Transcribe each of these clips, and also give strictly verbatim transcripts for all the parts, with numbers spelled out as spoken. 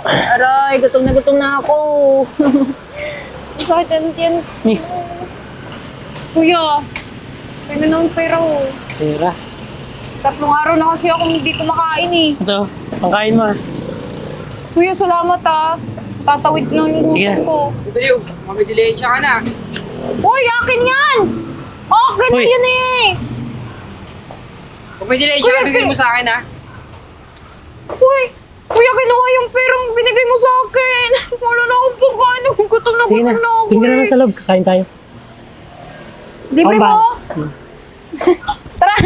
Aray, gutom na gutom na ako. Masakit ang tiyan. Miss, Kuya, kaya na ng pera ko. pera. Tatlong araw na kasi ako hindi kumakain eh. Ito, pangkain mo ah. Kuya, salamat ah. Tatawid lang yung Sige. gutom ko. Ito yung, may dilensya ka na. Uy, akin yan! Akin na Uy. yun eh! Kung may dilensya Kuya, ka, bigay mo Kuya. sa akin ha. Uy, kuya, kinuha yung perang binigay mo sa akin. Wala na akong pagkain. Gutom na Sige gutom na, na ako tingnan eh. naman sa loob, kakain tayo. Libre Ako ba? mo? Hmm. Tara!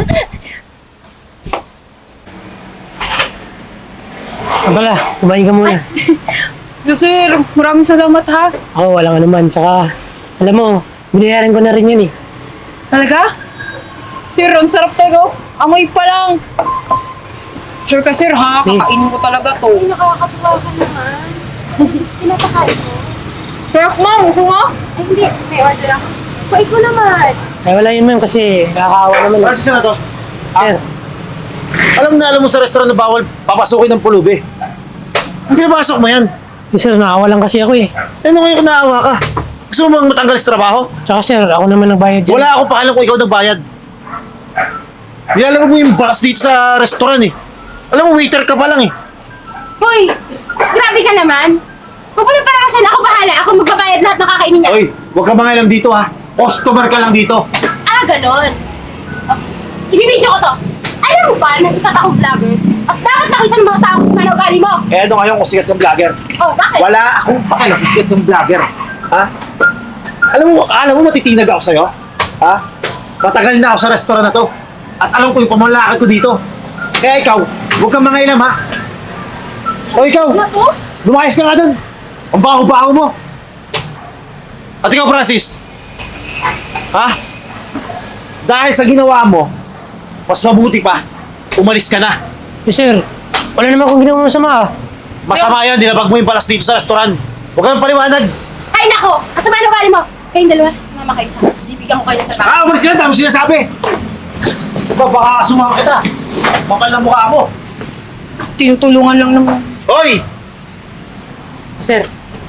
Ah, pala, kumain ka muna. So, sir, maraming salamat ha. Ako, walang anuman. Tsaka, alam mo, binayaran ko na rin yun eh. Talaga? Sir, ang sarap tayo. Amoy pa lang. Sure ka, sir, ha? Hmm. Kakainin ko talaga to. Nakakatuwa ka naman. Pinapakain mo? Sarap, ma'am. Gusto mo? Ay, hindi. May order ako. Kuhay ko naman. Ay, wala yun ma'am kasi nakakaawa naman eh. Francis na to. Sir, Alam na alam mo sa restaurant na bawal papasukin ng pulubi. Ang pinapasok mo yan. yung sir, nakaawa lang kasi ako eh. Eh, ano ngayon kung naawa ka? Gusto mo bang matanggal sa trabaho? Tsaka sir, ako naman nagbayad dyan. Wala akong pakialam kung ikaw nagbayad. Nilalam mo yung boss dito sa restaurant eh. Alam mo, waiter ka pa lang eh. Hoy! Grabe ka naman. Huwag mo na para kasi ako bahala. Ako magbabayad lahat ng kakainin niya. Oy, huwag ka mangialam dito ha. Customer ka lang dito. Ah, ganon. O, ibibidyo ko to. Alam mo ba na sikat akong vlogger? At dapat nakita ng mga tao kung ano ugali mo. Eh ano ngayon kung sikat ng vlogger? Oh, bakit? Wala akong pakialam kung sikat ng vlogger. Ha? Alam mo, alam mo matitinag ako sa'yo? Ha? Matagal na ako sa restaurant na to. At alam ko yung pamalakad ko dito. Kaya ikaw, huwag kang mangialam ha. O ikaw, Ano to? lumayas ka nga dun. Ang baho-baho mo. At ikaw, Francis. Ha? Dahil sa ginawa mo, mas mabuti pa, umalis ka na. Eh, sir, wala naman akong ginawa masama ah. Masama yan, dinabag mo yung palas dito sa restaurant. Huwag kang paliwanag. Ay, nako! Kasama ang ugali mo. Kayong dalawa, sumama kayo sa akin. Bibigyan ko kayo ng trabaho. Ah, umalis ka na, tama sinasabi. Ikaw, baka kasumama kita. Makal na mukha mo. Tinutulungan lang naman. Hoy! Sir,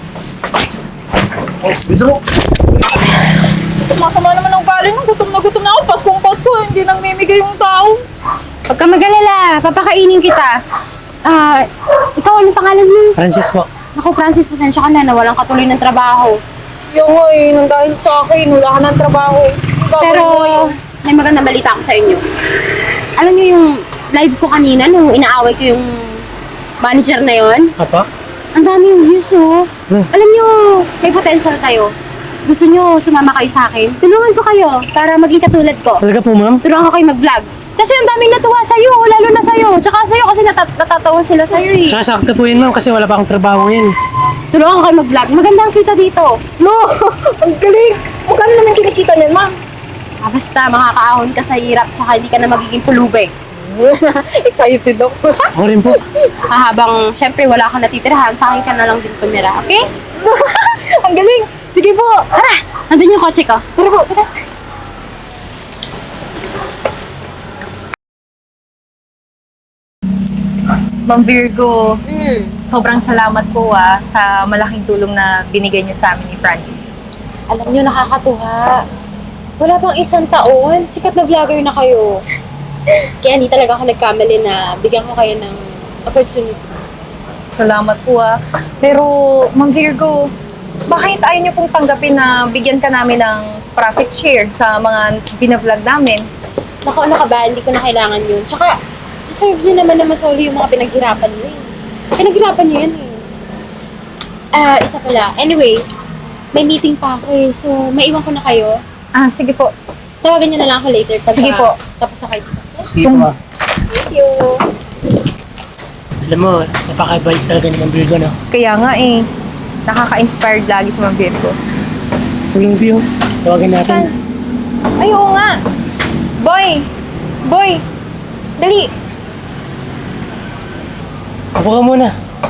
Oh, bisa mo. Masama naman ang galing mo. Gutom na gutom na ako. Paskong Pasko. Hindi lang mimigay yung tao. Huwag ka mag-alala. Papakainin kita. Ah, ikaw, anong pangalan mo? Francis po. Ako, Francis, pasensya ka na na walang katuloy ng trabaho. Yung nga eh, nang dahil sa akin, wala ka ng trabaho. Ang gagawin Pero, mo eh. may magandang balita ako sa inyo. Alam niyo yung live ko kanina nung inaaway ko yung manager na yon? Apa? Ang dami yung views, oh. Hmm. Alam niyo, may potential tayo. Gusto niyo sumama kayo sa akin? Tulungan ko kayo para maging katulad ko. Talaga po ma'am? Tulungan ko kayo mag-vlog. Kasi ang daming natuwa sa'yo, lalo na sa'yo. Tsaka sa'yo kasi natat natatawa sila sa'yo eh. Tsaka sakto po yun ma'am kasi wala pa akong trabaho yan eh. Tulungan ko kayo mag-vlog. Maganda ang kita dito. No! Ang galing! Magkano naman kinikita niyan, ma'am? Ah, basta makakaahon ka sa hirap tsaka hindi ka na magiging pulube. Excited ako. Ako rin po. Ah, habang syempre wala kang natitirahan, sa akin ka na lang din tumira, okay? Ang galing! Sige po! Tara! Nandun yung kotse ko. Tara po, tara. Ma'am Virgo, Mm. sobrang salamat po ah, sa malaking tulong na binigay niyo sa amin ni Francis. Alam niyo, nakakatuwa. Wala pang isang taon, sikat na vlogger na kayo. Kaya hindi talaga ako nagkamali na bigyan ko kayo ng opportunity. Salamat po ah. Pero, Ma'am Virgo, bakit ayaw niyo pong tanggapin na bigyan ka namin ng profit share sa mga binavlog namin? Naku, ano ka ba? Hindi ko na kailangan yun. Tsaka, deserve niyo naman na masoli yung mga pinaghirapan niyo eh. Pinaghirapan niyo yan eh. Ah, isa pala. Anyway, may meeting pa ako eh. So, maiwan ko na kayo. Ah, sige po. Tawagan niyo na lang ako later pag Sige po. tapos na kayo. Kung, Thank you. alam mo, napakabait talaga ni Ma'am Virgo, no? Kaya nga eh, nakaka-inspired lagi si Ma'am Virgo. Tulong view, tawagan natin. Ay, oo nga. Boy! Boy! Dali! Upo ka muna.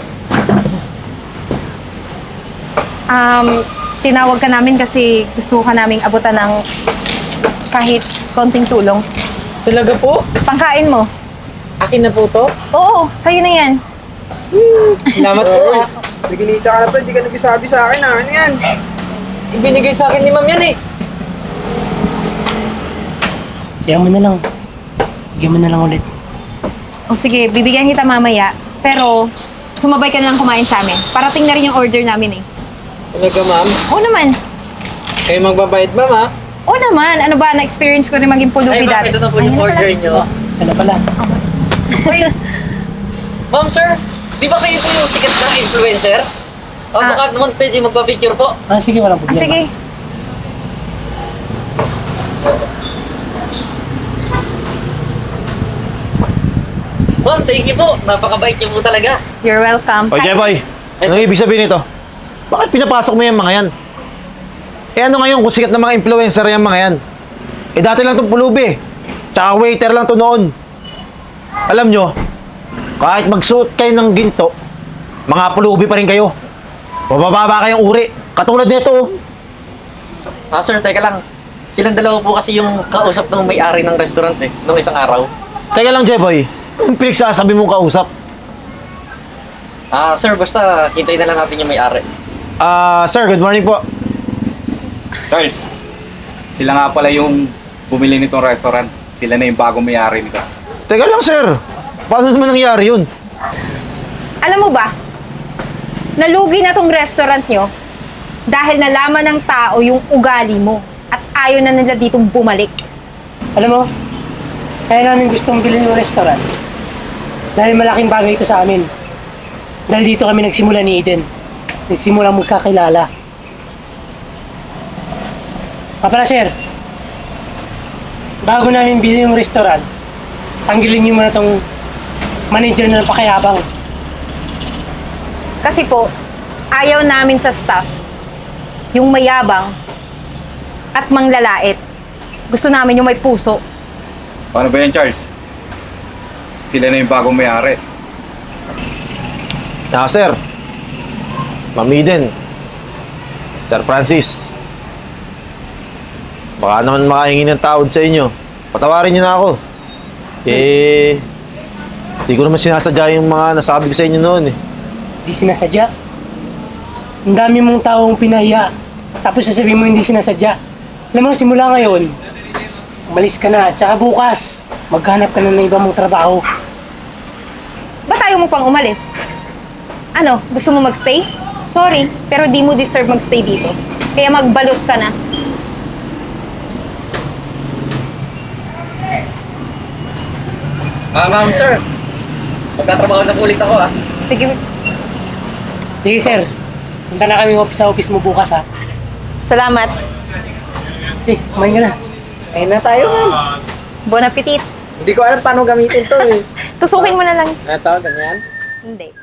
Um, tinawag ka namin kasi gusto ka naming abutan ng kahit konting tulong. Talaga po? Pangkain mo. Akin na po to? Oo, sa'yo na yan. Salamat po ah. Naginita ka na pa, hindi ka nagsasabi sa akin ah. Ano yan? Ibinigay sa akin ni ma'am yan eh. Kaya mo na lang. Bigyan mo na lang ulit. O sige, bibigyan kita mamaya. Pero, sumabay ka na lang kumain sa amin. Parating na rin yung order namin eh. Talaga ma'am? Oo naman. Kayo magbabayad ma'am ah. Oo naman. Ano ba, na-experience ko rin maging pulubi dati. ito na po Ayun yung na order pala. nyo. Ano pala? Wait! Ma'am, sir, di ba kayo po yung sikat na influencer? O Ah. baka naman pwede magpa-picture po. Ah, sige, walang Ah, problema. sige. Ma'am, thank you po. Napakabait niyo po talaga. You're welcome. O, Jeboy, anong ibig sabihin nito? Bakit pinapasok mo yung mga yan? Eh ano ngayon kung sikat na mga influencer yung mga yan? Eh dati lang itong pulubi. Tsaka waiter lang to noon. Alam nyo, kahit magsuot kayo ng ginto, mga pulubi pa rin kayo. Mabababa kayong uri. Katulad nito. oh. Ah, sir, teka lang. Silang dalawa po kasi yung kausap ng may-ari ng restaurant eh, nung isang araw. Teka lang, Jeboy. Yung pinagsasabi mong kausap. Ah, sir, basta hintayin na lang natin yung may-ari. Ah, sir, good morning po. Charles, sila nga pala yung bumili nitong restaurant. Sila na yung bagong may-ari nito. Teka lang, sir. Paano naman nangyari yun? Alam mo ba, nalugi na tong restaurant nyo dahil nalaman ng tao yung ugali mo at ayaw na nila ditong bumalik. Alam mo, kaya namin gustong bilhin yung restaurant. Dahil malaking bagay ito sa amin. Dahil dito kami nagsimula ni Eden. Nagsimula magkakilala. Kapala sir, bago namin bilhin yung restaurant, tanggalin niyo muna tong manager na napakayabang. Kasi po, ayaw namin sa staff yung mayabang at manglalait. Gusto namin yung may puso. Paano ba yan, Charles? Sila na yung bagong may-ari. Ah, sir. Ma'am Eden. Sir Francis. Baka naman makahingi ng tawad sa inyo. Patawarin niyo na ako. Eh, di ko naman sinasadya yung mga nasabi ko sa inyo noon eh. Hindi sinasadya. Ang dami mong taong pinahiya. Tapos sasabihin mo hindi sinasadya. Alam mo, simula ngayon, umalis ka na. Tsaka bukas, maghanap ka na ng iba mong trabaho. Ba't ayaw mo pang umalis? Ano, gusto mo magstay? Sorry, pero di mo deserve magstay dito. Kaya magbalot ka na. Ah, ma'am, sir. Magtatrabaho na po ulit ako ah. Sige, Sige sir, punta na kami sa office mo bukas ha. salamat. Eh, kumain ka na. Ayun na tayo ma'am. Bon appetit. Hindi ko alam paano gamitin to eh. Tusukin mo na lang. Ano to, ganyan? Hindi.